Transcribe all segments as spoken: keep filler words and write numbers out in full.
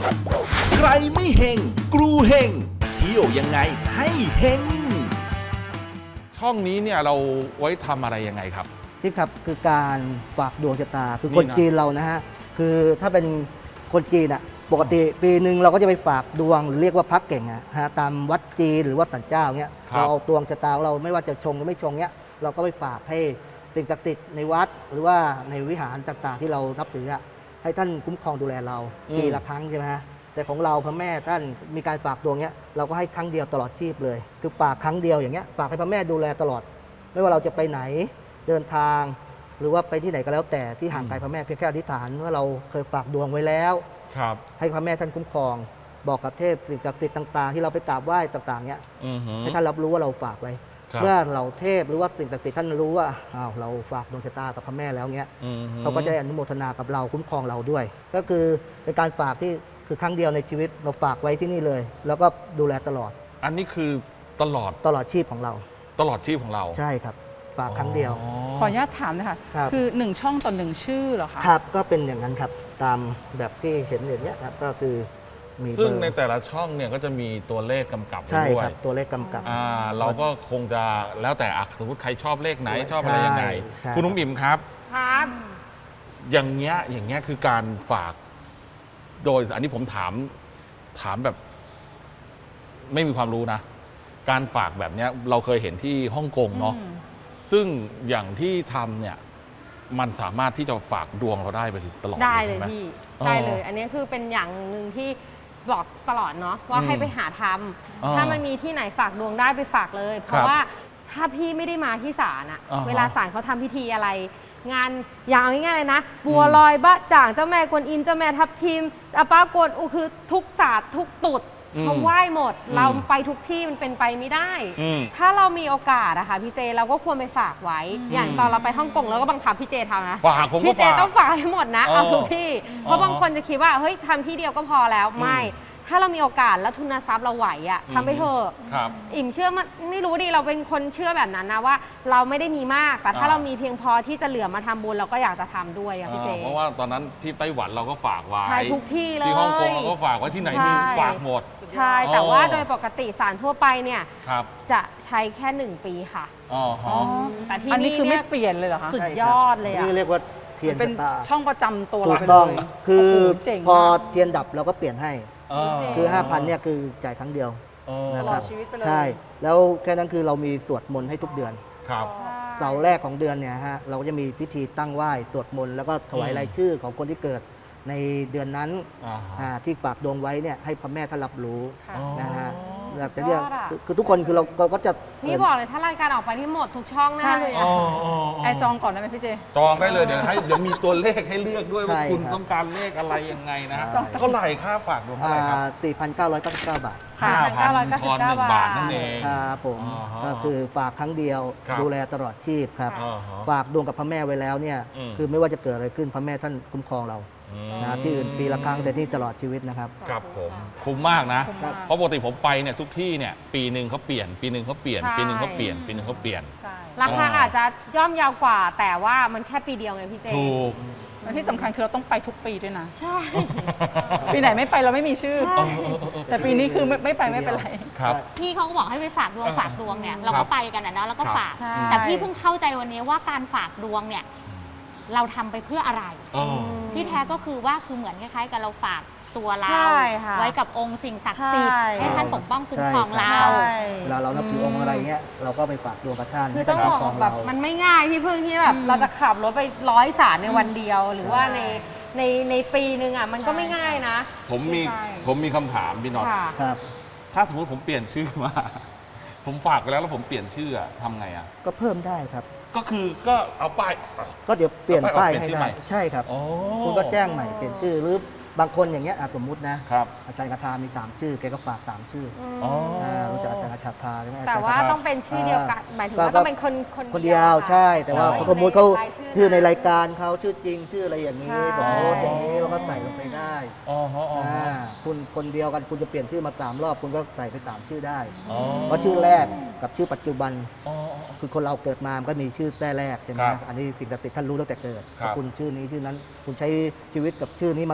ใครไม่เฮงกรูเฮงเที่ยวยังไงให้เฮงช่องนี้เนี่ยเราไว้ทำอะไรยังไงครับที่ครับคือการฝากดวงชะตาคือนี่คนนะจีนเรานะฮะคือถ้าเป็นคนจีนอ่ะปกติปีหนึ่งเราก็จะไปฝากดวงหรือเรียกว่าพักเก่งอะฮะตามวัดจีนหรือว่าศาลเจ้าเนี้ยเราเอาดวงชะตาของเราไม่ว่าจะชงหรือไม่ชงเนี้ยเราก็ไปฝากให้สิ่งศักดิ์สิทธิ์ในวัดหรือว่าในวิหารต่างๆ ที่เรานับถืออะให้ท่านคุ้มครองดูแลเราปีละครั้งใช่ไหมฮะแต่ของเราพระแม่ท่านมีการฝากดวงเนี้ยเราก็ให้ครั้งเดียวตลอดชีพเลยคือฝากครั้งเดียวอย่างเงี้ยฝากให้พระแม่ดูแลตลอดไม่ว่าเราจะไปไหนเดินทางหรือว่าไปที่ไหนก็แล้วแต่ที่ห่างไกลพระแม่เพียงแค่อธิษฐานว่าเราเคยฝากดวงไว้แล้วให้พระแม่ท่านคุ้มครองบอกกับเทพสิ่งศักดิ์สิทธิ์ต่างๆที่เราไปกราบไหว้ต่างๆเนี้ยให้ท่านรับรู้ว่าเราฝากไว้เมื่อเราเทพหรือว่าสิ่งศักดิ์สิทธิ์ท่านรู้ว่าอ้าวเราฝากดวงชะตากับพระแม่แล้วเนี้ยเขาก็จะอนุโมทนากับเราคุ้มครองเราด้วยก็คือเป็นการฝากที่คือครั้งเดียวในชีวิตเราฝากไว้ที่นี่เลยแล้วก็ดูแลตลอดอันนี้คือตลอดตลอดชีพของเราตลอดชีพของเราใช่ครับฝากครั้งเดียวขออนุญาตถามนะคะคือหนึ่งช่องต่อหนึ่งชื่อเหรอคะครับก็เป็นอย่างนั้นครับตามแบบที่เห็นอย่างนี้ครับก็คือมีซึ่งในแต่ละช่องเนี่ยก็จะมีตัวเลขกำกับใช่ด้วยครับตัวเลขกำกับอ่าเราก็คงจะแล้วแต่สมมติใครชอบเลขไหนชอบอะไรยังไงคุณนุ้มอิ่มครับครับอย่างเงี้ยอย่างเงี้ยคือการฝากโดยอันนี้ผมถามถามแบบไม่มีความรู้นะการฝากแบบเนี้ยเราเคยเห็นที่ฮ่องกงเนาะซึ่งอย่างที่ทำเนี่ยมันสามารถที่จะฝากดวงเราได้ไปตลอดได้เลยพี่ได้เลยอันนี้คือเป็นอย่างหนึ่งที่บอกตลอดเนาะว่าให้ไปหาทำถ้ามันมีที่ไหนฝากดวงได้ไปฝากเลยเพราะว่าถ้าพี่ไม่ได้มาที่ศาลอะเวลาศาลเขาทำพิธีอะไรงานอย่างง่ายๆเลยนะบัวลอยบะจ่างเจ้าแม่กวนอิมเจ้าแม่ทับทิมอาป้ากวนอุคือทุกศาสตร์ทุกตุดเขาไหว้หมดเราไปทุกที่มันเป็นไปไม่ได้ถ้าเรามีโอกาสอะค่ะพี่เจเราก็ควรไปฝากไว้อย่างตอนเราไปฮ่องกงแล้วก็บังคับพี่เจทำนะฝากผมก็ฝากพี่เจต้องฝากให้หมดนะเอาทุกที่เพราะบางคนจะคิดว่าเฮ้ยทำที่เดียวก็พอแล้วไม่ถ้าเรามีโอกาสแล้วทุนทรัพย์เราไหวอะทำไปเถอะอิ่มเชื่อมันไม่รู้ดิเราเป็นคนเชื่อแบบนั้นนะว่าเราไม่ได้มีมากแต่ถ้าเรามีเพียงพอที่จะเหลือมาทำบุญเราก็อยากจะทำด้วยอะพี่เจเพราะว่าตอนนั้นที่ไต้หวันเราก็ฝากไว้ใช่ทุกที่เลยที่ฮ่องกงเราก็ฝากไว้ที่ไหนมีฝากหมดใช่แต่ว่าโดยปกติศาลทั่วไปเนี่ยจะใช้แค่หนึ่งปีค่ะอ๋อแต่ที่นี่อันนี้คือไม่เปลี่ยนเลยเหรอคะสุดยอดเลยอะนี่เรียกว่าเทียนเป็นช่องประจำตัวเราไปเลยคือพอเทียนดับเราก็เปลี่ยนให้คือ ห้าพัน เนี่ยคือจ่ายครั้งเดียวตลอดชีวิตไปเลยใช่แล้วแค่นั้นคือเรามีสวดมนต์ให้ทุกเดือนครับเสาร์แรกของเดือนเนี่ยฮะเราก็จะมีพิธีตั้งไหว้สวดมนต์แล้วก็ถวายรายชื่อของคนที่เกิดในเดือนนั้นที่ฝากดวงไว้เนี่ยให้พระแม่ท่านรับรู้นะฮะแต่เรื่องคือทุกคนคือเราก็จะนี่บอกเลยถ้ารายการออกไปที่หมดทุกช่องแน่เลยไอจองก่อนได้ไหมพี่เจจองได้เลยเดี๋ยวให้เดี๋ยวมีตัวเลขให้เลือกด้วยว่าคุณต้องการเลขอะไรยังไงนะฮะเท่าไหร่ค่าฝากดวงเท่าไหร่ครับสี่พันเก้าร้อยเก้าสิบเก้าบาทห้าพันทอนหนึ่งบาทนั่นเองครับผมก็คือฝากครั้งเดียวดูแลตลอดชีพครับฝากดวงกับพระแม่ไว้แล้วเนี่ยคือไม่ว่าจะเกิดอะไรขึ้นพระแม่ท่านคุ้มครองเรานะที่อื่นปีละครั้งแต่นี่ตลอดชีวิตนะครับครับผมคุ้มมากนะเพราะปกติผมไปเนี่ยทุกที่เนี่ยปีหนึ่งเขาเปลี่ยนปีหนึ่งเขาเปลี่ยนปีหนึ่งเขาเปลี่ยนปีหนึ่งเขาเปลี่ยนราคาอาจจะย่อมยาวกว่าแต่ว่ามันแค่ปีเดียวไงพี่เจถูกและที่สำคัญคือเราต้องไปทุกปีด้วยนะใช่ปีไหนไม่ไปเราไม่มีชื่อแต่ปีนี้คือไม่ไปไม่เป็นไรครับพี่เขาก็บอกให้ไปฝากดวงฝากดวงเนี่ยเราก็ไปกันนะเนาะแล้วก็ฝากแต่พี่เพิ่งเข้าใจวันนี้ว่าการฝากดวงเนี่ยเราทำไปเพื่ออะไรที่แท้ก็คือว่าคือเหมือนคล้ายๆกับเราฝากตัวเราไว้กับองค์สิ่งศักดิ์สิทธิ์ให้ท่านปกป้องคุ้มครองเราเวลาเรานับถือองค์อะไรเงี้ยเราก็ไปฝากดวงกับท่านคือต้องบอกแบบมันไม่ง่ายพี่พึ่งที่แบบเราจะขับรถไปร้อยศาลในวันเดียวหรือว่าในในในปีนึงอ่ะมันก็ไม่ง่ายนะผมมีผมมีคำถามพี่น็อตครับถ้าสมมติผมเปลี่ยนชื่อมาผมฝากไปแล้วแล้วผมเปลี่ยนชื่อทำไงอ่ะก็เพิ่มได้ครับก็คือก็เอาป้ายก็เดี๋ยวเปลี่ยนป้ายให้ได้ใช่ครับคุณก็แจ้งใหม่เปลี่ยนชื่อหรือบางคนอย่างเงี้ยสมมุตินะครับอาจารย์คาถามีสามชื่อแกก็ฝากสามชื่ออ๋อรู้จักอาจารย์คาถาใช่ไหมแต่ว่าต้องเป็นชื่อเดียวกันหมายถึงว่าต้องเป็นคนคนเดียวใช่แต่ว่าสมมติเขาชื่อในรายการเขาชื่อจริงชื่ออะไรอย่างนี้บอกโน้ตอย่างนี้เราก็ใส่ลงไปได้อ๋อคุณคนเดียวกันคุณจะเปลี่ยนชื่อมาสามรอบคุณก็ใส่ไปสามชื่อได้เพราะชื่อแรกกับชื่อปัจจุบันคือคนเราเกิดมามันก็มีชื่อแต่แรกใช่ไหมอันนี้สิ่งศักดิ์สิทธิ์ท่านรู้ตั้งแต่เกิดคุณชื่อนี้ชื่อนั้นคุณใช้ชีวิตกับชื่อนี้มาสิบปี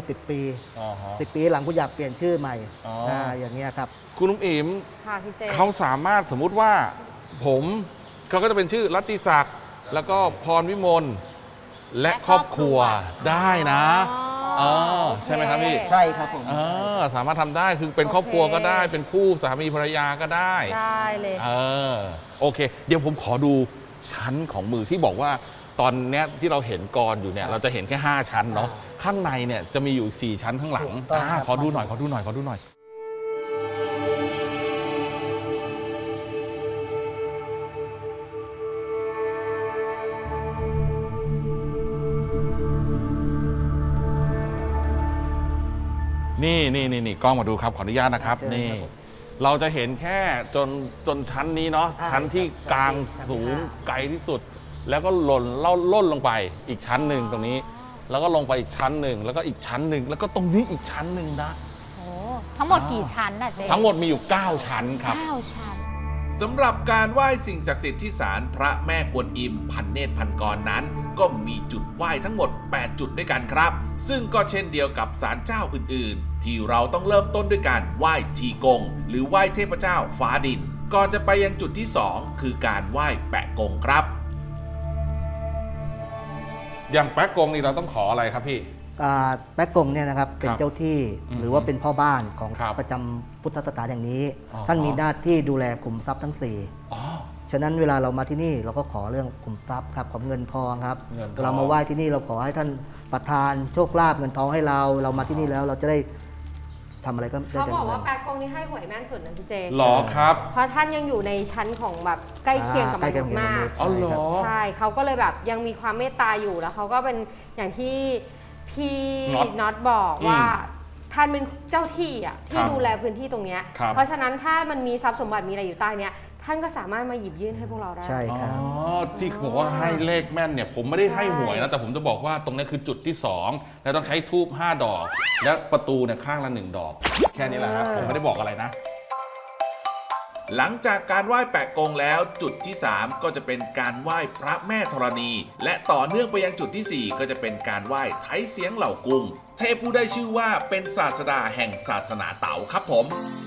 อ๋อฮะสิบปีหลังคุณอยากเปลี่ยนชื่อใหม่อ๋ออ่าอย่างเงี้ยครับคุณนุ่มอิ๋มค่ะพี่เจเขาสามารถสมมุติว่าผมเขาก็จะเป็นชื่อรัตติศักดิ์แล้วก็พรวิมลและครอบครัวได้นะเออใช่ไหมครับพี่ใช่ครับผมเออสามารถทำได้คือเป็นครอบครัวก็ได้ เป็นคู่สามีภรรยาก็ได้ได้เลยเออโอเค เดี๋ยวผมขอดูชั้นของมือที่บอกว่าตอนเนี้ยที่เราเห็นกรอยู่เนี่ยเราจะเห็นแค่ ห้า ชั้นเนาะข้างในเนี่ยจะมีอยู่อีกสี่ชั้นข้างหลังถูกต้องอ่าครับขอดูหน่อยขอดูหน่อยขอดูหน่อย นี่นี่นี่นี่กล้องมาดูครับขออนุญาตนะครับเชิญนี่ครับผมเราจะเห็นแค่จนจนชั้นนี้เนาะอ่าชั้นที่ครับกลางชั้นที่สูงห้าไกลที่สุด แล้วก็หล่นเล่าล่นลงไปอีกชั้นหนึ่งตรงนี้ แล้วก็ลงไปอีกชั้นหนึ่งแล้วก็อีกชั้นหนึ่งแล้วก็ตรงนี้อีกชั้นหนึ่งนะโอ้ทั้งหมดกี่ชั้นน่ะเจ๊ทั้งหมดมีอยู่ เก้า ชั้นครับเก้าชั้นสำหรับการไหว้สิ่งศักดิ์สิทธิ์ที่ศาลพระแม่กวนอิมพันเนตรพันกรนั้น ก็มีจุดไหว้ทั้งหมด แปด จุดด้วยกันครับ ซึ่งก็เช่นเดียวกับศาลเจ้าอื่นๆ ที่เราต้องเริ่มต้นด้วยการไหว้ทีกง หรือไหว้เทพเจ้าฟ้าดิน ก่อนจะไปยังจุดที่ สอง คือการไหว้แปะกงครับอย่างแป๊กกงนี่เราต้องขออะไรครับพี่อ่าแป๊กกงเนี่ยนะครับเป็นครับเจ้าที่อืมหรือว่าเป็นพ่อบ้านของครับประจำพุทธสถานแห่งนี้อ๋อท่านมีหน้าที่ดูแลขุมทรัพย์ทั้งสี่อ๋อฉะนั้นเวลาเรามาที่นี่เราก็ขอเรื่องขุมทรัพย์ครับของเงินทองครับเงินทองเรามาไหว้ที่นี่เราขอให้ท่านประทานโชคลาภเงินทองให้เรา เรามาที่นี่แล้วเราจะได้ทำอะไรก็ได้เขาแต่บอกว่าเงินแปดกงนี่ให้หวยแม่นสุดนะพี่เจหรอครับเพราะท่านยังอยู่ในชั้นของแบบใกล้เคียงกับมใกล้เคียนุงษกับย์มากมนุษย์อ๋อเหรอใช่เขาก็เลยแบบยังมีความเมตตาอยู่แล้วเขาก็เป็นอย่างที่พี่น็อตน็อตบอกอืมว่าท่านเป็นเจ้าที่อ่ะที่ครับดูแลพื้นที่ตรงเนี้ยครับเพราะฉะนั้นถ้ามันมีทรัพย์สมบัติมีอะไรอยู่ใต้เนี้ยท่านก็สามารถมาหยิบยื่นให้พวกเราได้ใช่อ๋ครับอที่บอกว่าให้เลขแม่นเนี่ยผมไม่ได้ให้หวยนะแต่ผมจะบอกว่าตรงนี้คือจุดที่สองแล้วต้องใช้ทูบห้าดอก และประตูเนี่ยข้างละหนึ่งดอก แค่นี้แหละครับผมไม่ได้บอกอะไรนะหลังจากการไหว้แปะกงแล้วจุดที่ สาม ก็จะเป็นการไหว้พระแม่ธรณี และต่อเนื่องไปยังจุดที่ สี่ ก็จะเป็นการไหว้ไทเสียงเหล่ากุงเทพผู้ได้ชื่อว่าเป็นศาสดาแห่งศาสนาเต๋าครับผม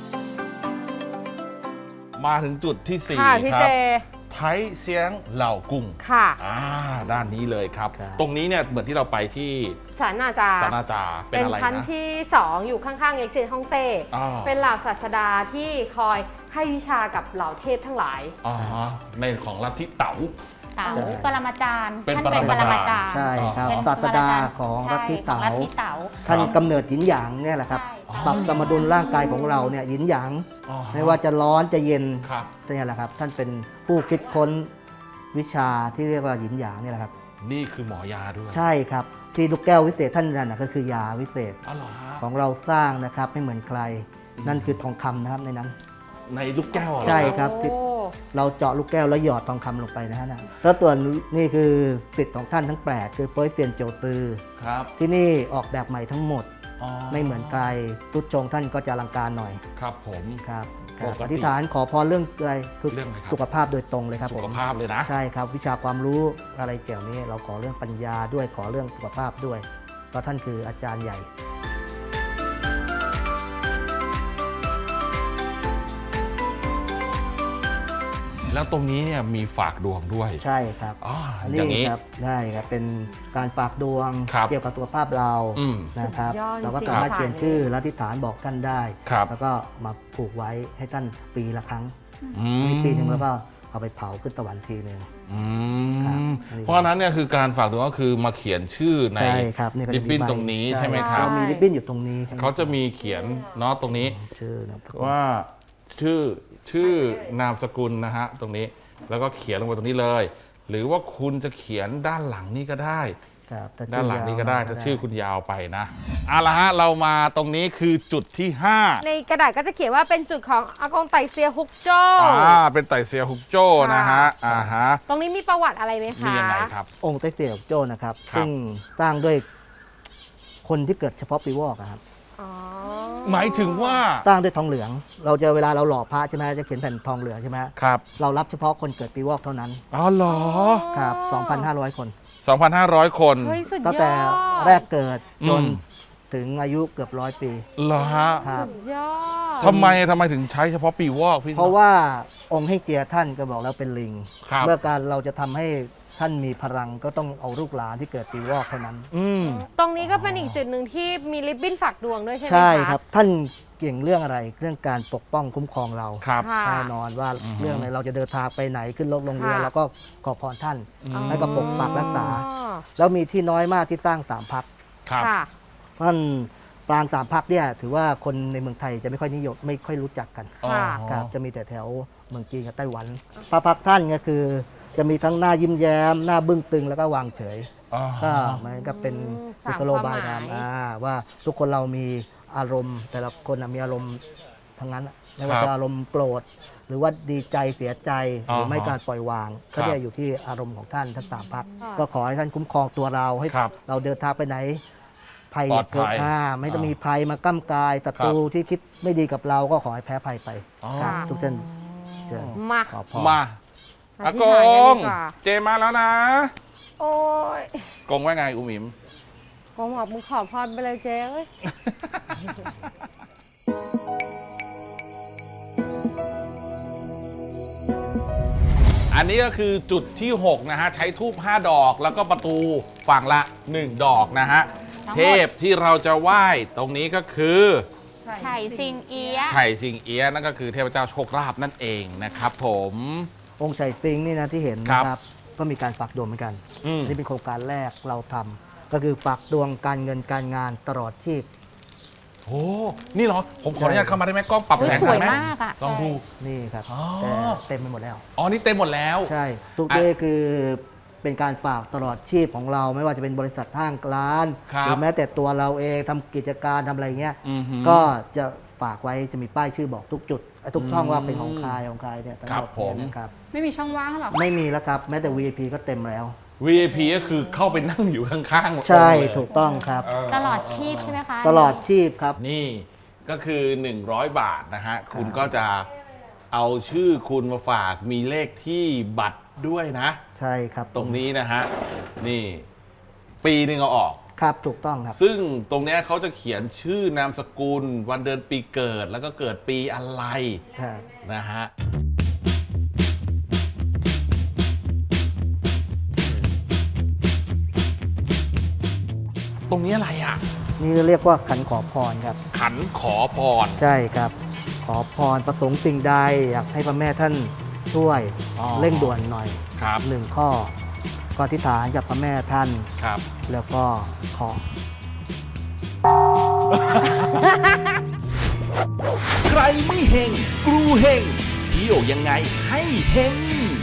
มาถึงจุดที่สี่ค่ะพี่คเจรับไทยเสียงเหล่ากุ้งค่ะอ่าด้านนี้เลยครับครับตรงนี้เนี่ยเหมือนที่เราไปที่ศาลนาจาสานาจาเป็นเป็นอะไรชั้นนะที่ สอง อยู่ข้างๆเอ็กซิสฮ่องเต้อ่าเป็นเหล่าศาสดาที่คอยให้วิชากับเหล่าเทพทั้งหลายอ๋อในของลัทธิเต๋าเต๋าปรมาจารย์เป็นท่านเป็นปปรรมามาจาจาร รย์ใช่ครับเป็นศาสดาปรมจรย์ของใช่ลัทธิของเต๋าลัทธิเต๋าท่านกำเนิดหยินหยางเนี่ยแหละครับใช่ปรับสมดุลร่างกายของเราเนี่ยหยินหยางอ๋อไม่ว่าจะร้อนจะเย็นครับเนี่ยแหละครับ ท่านเป็นผู้คิดค้นวิชาที่เรียกว่าหยินหยางเนี่ยแหละครับนี่คือหมอยาด้วยใช่ครับที่ลูกแก้ววิเศษท่านนั่นนะก็คือยาวิเศษอ๋อเหรอฮะของเราสร้างนะครับไม่เหมือนใครอืมนั่นคือทองคำนะครับในนั้นในลูกแก้วเหรอใช่ครับโอ้เราเจาะลูกแก้วแล้วหยอดทองคำลงไปนะฮะนะแล้วตัวนนี่คือสิทธิ์ของท่านทั้งแปดคือโป้ยเซียนโจตือครับที่นี่ออกแบบใหม่ทั้งหมดอ๋อไม่เหมือนใครตุดชงท่านก็จะอลังการหน่อยครับผมครับปกติอธิษฐานขอพรเรื่องอะไรคือเรื่องอะไรครับสุขภาพโดยตรงเลยครับสุผขมภาพเลยนะใช่ครับวิชาความรู้อะไรเกี่ยวนี้ เราขอเรื่องปัญญาด้วยขอเรื่องสุขภาพด้วยเพราะท่านคืออาจารย์ใหญ่แล้วตรงนี้เนี่ยมีฝากดวงด้วยใช่ครับอ๋ออันอย่างนี้นี้ครับได้ครับเป็นการฝากดวงครับเกี่ยวกับสุขภาพเราอืมนะครับสุดยอดเราก็จริงสามารถค่ะเขียนชื่อและอธิษฐานบอกท่านได้ครับแล้วก็มาผูกไว้ให้ท่านปีละครั้งอืมในปีหนึ่งแล้วก็เอาไปเผาขึ้นสวรรค์ทีหนึ่งอืครับมอันนี้เพราะฉะนั้นเนี่ยคือการฝากดวงก็คือมาเขียนชื่อในใช่ครับนี่ก็ริจะบมีบิ้นใบตรงนี้ใช่ไหมครับเรามีริบบิ้นอยู่ตรงนี้ครับเขาจะมีเขียนเนาะตรงนี้ชื่อนะครับว่าชื่อชื่อนามสกุลนะฮะตรงนี้แล้วก็เขียนลงไปตรงนี้เลย หรือว่าคุณจะเขียนด้านหลังนี่ก็ได้ครับถ้ด้านหลังนี่ก็ได้ยาวถ้าชื่อคุณยาวไปนะเอาละฮะเรามาตรงนี้คือจุดที่ห้าในกระดาษก็จะเขียนว่าเป็นจุดของอากงไตเซียฮกโจ้อ่าเป็นไต่เซียฮุกโจ้นะฮะอ่าฮะตรงนี้มีประวัติอะไรไหมคะมียังไงครับองค์ไต้เสี่ยวโจ้นะครับครับซึ่งสร้างด้วยคนที่เกิดเฉพาะปีวอกอะครับอ๋อหมายถึงว่าสร้างด้วยทองเหลือง เราจะเวลาเราหล่อพระใช่ไหมจะเขียนแผ่นทองเหลืองใช่ไหมครับเรารับเฉพาะคนเกิดปีวอกเท่านั้นอ๋อเหรอครับ สองพันห้าร้อย คนสองพันห้าร้อย คนเฮ้ยสุดยอดตั้งแต่แรกเกิดจนอืมถึงอายุเกือบร้อยปีเหรอฮะครับสุดยอดทำไมทำไมถึงใช้เฉพาะปีวอกพี่เพราะว่าองค์เฮ่งเจียท่านก็บอกแล้วเป็นลิงครับเมื่อการเราจะทำให้ท่านมีพลังก็ต้องเอาลูกหลานที่เกิดปีวอกเท่านั้นอืมตรงนี้ก็เป็นอีกจุดหนึ่งที่มีริบบิ้นฝากดวงด้วยใช่ไหมคะใช่ครับ ท่านเก่งเรื่องอะไรเรื่องการปกป้องคุ้มครองเราครับค่ะแน่นอนว่าอือฮึเรื่องไหนเราจะเดินทางไปไหนขึ้นรถลงเรือค่ะแล้วก็ขอพรท่านอืมให้ก็ปกปักรักษาอ๋อแล้วมีที่น้อยมากที่สร้างสามพักครับค่ะท่านปรางสามพักเนี่ยถือว่าคนในเมืองไทยจะไม่ค่อยนิยมไม่ค่อยรู้จักกันอ๋อค่ะครับจะมีแต่แถวเมืองจีนกับไต้หวัน พระพักตร์ท่านก็คือ จะมีทั้งหน้ายิ้มแย้ม หน้าบึ้งตึงแล้วก็วางเฉยอ๋อก็มันก็เป็นอืมกุสามศโลบายความหมายนำอ่าว่าทุกคนเรามีอารมณ์ แต่ละคนน่ะมีอารมณ์ทั้งนั้นอะไม่ว่าครับจะอารมณ์โกรธหรือว่าดีใจเสียใจหรือไม่อ่าฮะการปล่อยวางครัก็บจะอยู่ที่อารมณ์ของท่านทั้งสามพักค่ะก็ขอให้ท่านคุ้มครองตัวเราให้ครับเราเดินทางไปไหนภัยปลอดภัยเกิดอ่าไม่ต้องอ่ามีมีภัยมาก้ำกายศัตรูที่คิดไม่ดีกับเราก็ขอให้แพ้ภัยไปอ๋อครับทุกท่านเชิญมาขอพรมาออาธิกษฐานกันงดีกว่าเจมาแล้วนะโอ้ยกงว่าไงอุ๋มอิมกงบอกมึงขอพรไปเลยเจ๊เอ้ยอันนี้ก็คือจุดที่ หก นะฮะ ใช้ทูบห้าดอกแล้วก็ประตูฝั่งละ หนึ่ง ดอกนะฮะทั้งหมดเทพที่เราจะไหว้ตรงนี้ก็คือไฉซิงเอียะไถ่สิงเอียะนั่นก็คือเทพเจ้าโชคลาภนั่นเองนะครับผมองค์ชัยซิงนี่นะที่เห็นครับนะครับ ก็มีการฝากดวงเหมือนกันอืมอันนี่เป็นโครงการแรกเราทำก็คือฝากดวงการเงินการงานตลอดชีพโอ้ นี่เหรอ ผมขออนุญาตเข้ามาได้ไหมกล้องปรับอุ๊ยแสงสวยได้ไหมากอะลองดูนี่ครับอ๋อแต่เต็มไปหมดแล้วอ๋อ นี่เต็มหมดแล้วใช่ ทุกอ่ะเรื่องคือเป็นการฝากตลอดชีพของเรา ไม่ว่าจะเป็นบริษัทห้างร้านครับหรือแม้แต่ตัวเราเองทำกิจการทำอะไรเงี้ยอือหือก็จะฝากไว้จะมีป้ายชื่อบอกทุกจุดทุกช่องอืมว่าเป็นของใครของใครเนี่ยทั้งครัหบมดผมเนี่ยนะครับไม่มีช่องว่างหรอไม่มีแล้วครับ แม้แต่ วี ไอ พี ก็เต็มแล้ววี ไอ พี ก็คือเข้าไปนั่งอยู่ข้างๆใช่เลยถูกต้องครับตลอดชีพใช่ไหมคะตลอดชีพครับนี่ก็คือ หนึ่งร้อย บาทนะฮะ คุณก็จะเอาชื่อคุณมาฝากมีเลขที่บัตรด้วยนะใช่ครับตรงนี้นะฮะ นี่ ปีหนึ่งเอาออกครับถูกต้องครับซึ่งตรงเนี้ยเขาจะเขียนชื่อนามสกุล วันเดือนปีเกิด แล้วก็เกิดปีอะไรครับนะฮะ ตรงนี้อะไรอ่ะนี่เรียกว่าขันขอพรครับขันขอพรใช่ครับ ขอพรประสงค์สิ่งใดอยากให้พระแม่ท่านช่วยอ๋อเร่งด่วนหน่อยครับหนึ่งข้อก็อธิษฐานกับพระแม่ท่านครับแล้วก็ขอใครไม่เฮงกรูเฮงเที่ยวยังไงให้เฮง